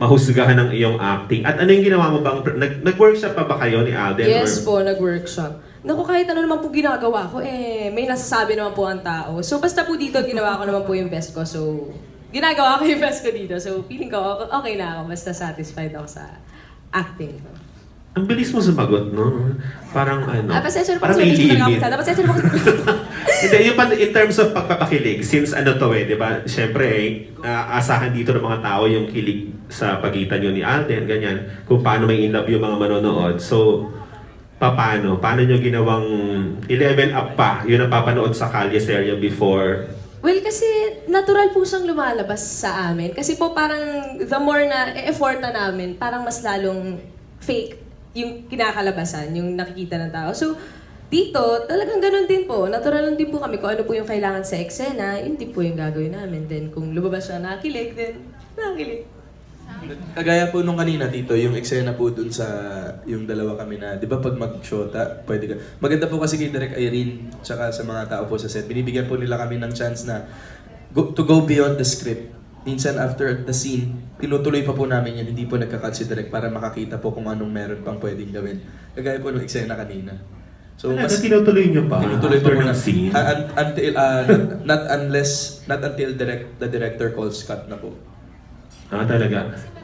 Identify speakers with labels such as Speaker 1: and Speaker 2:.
Speaker 1: mahusgahan ng iyong acting. At ano yung ginawa mo bang, nag-workshop pa ba kayo ni Alden?
Speaker 2: Yes po, nag-workshop. Naku, kahit ano naman po ginagawa ko, may nasasabi naman po ang tao. So, basta po dito, ginawa ko naman po yung best ko. So, ginagawa ko yung best ko dito. So, feeling ko, okay na ako. Basta satisfied ako sa acting ko.
Speaker 1: Ang bilis mo sumagot, no? Parang ano,
Speaker 2: Pasensya na po
Speaker 1: parang
Speaker 2: kasi hindi ko
Speaker 1: nailimit.
Speaker 2: nakakasada. Pasensya na po kasi.
Speaker 1: Hindi, yung in terms of pagpapakilig, since ano to di ba? Siyempre, asahan dito ng mga tao yung kilig sa pagitan nyo ni Alden, ganyan. Kung paano may in love yung mga manonood. So, paano? Paano nyo ginawang 11 up pa? Yun ang papanood sa Kalye Serye before.
Speaker 2: Well, kasi natural po siyang lumalabas sa amin. Kasi po parang the more na effort na namin, parang mas lalong fake yung kinakalabasan, yung nakikita ng tao. So, dito, talagang ganun din po. Natural lang din po kami kung ano po yung kailangan sa eksena, yun din po yung gagawin namin. Then, kung lumabas siya nakikilig, then nakikilig.
Speaker 3: Kagaya po nung kanina dito, yung eksena po dun sa yung dalawa kami na, di ba pag mag-shota, pwede ka. Maganda po kasi kay Direk Irene, tsaka sa mga tao po sa set, binibigyan po nila kami ng chance na to go beyond the script. Minsan after the scene, tinutuloy pa po namin yan, hindi po nagka-cut si Direk para makakita po kung anong meron pang pwedeng gawin. Kagaya po nung eksena kanina. So,
Speaker 1: Mas tinutuloy nyo pa?
Speaker 3: tinutuloy pa po
Speaker 1: ng
Speaker 3: na
Speaker 1: scene?
Speaker 3: until, not until the director calls cut na po.
Speaker 1: Talaga.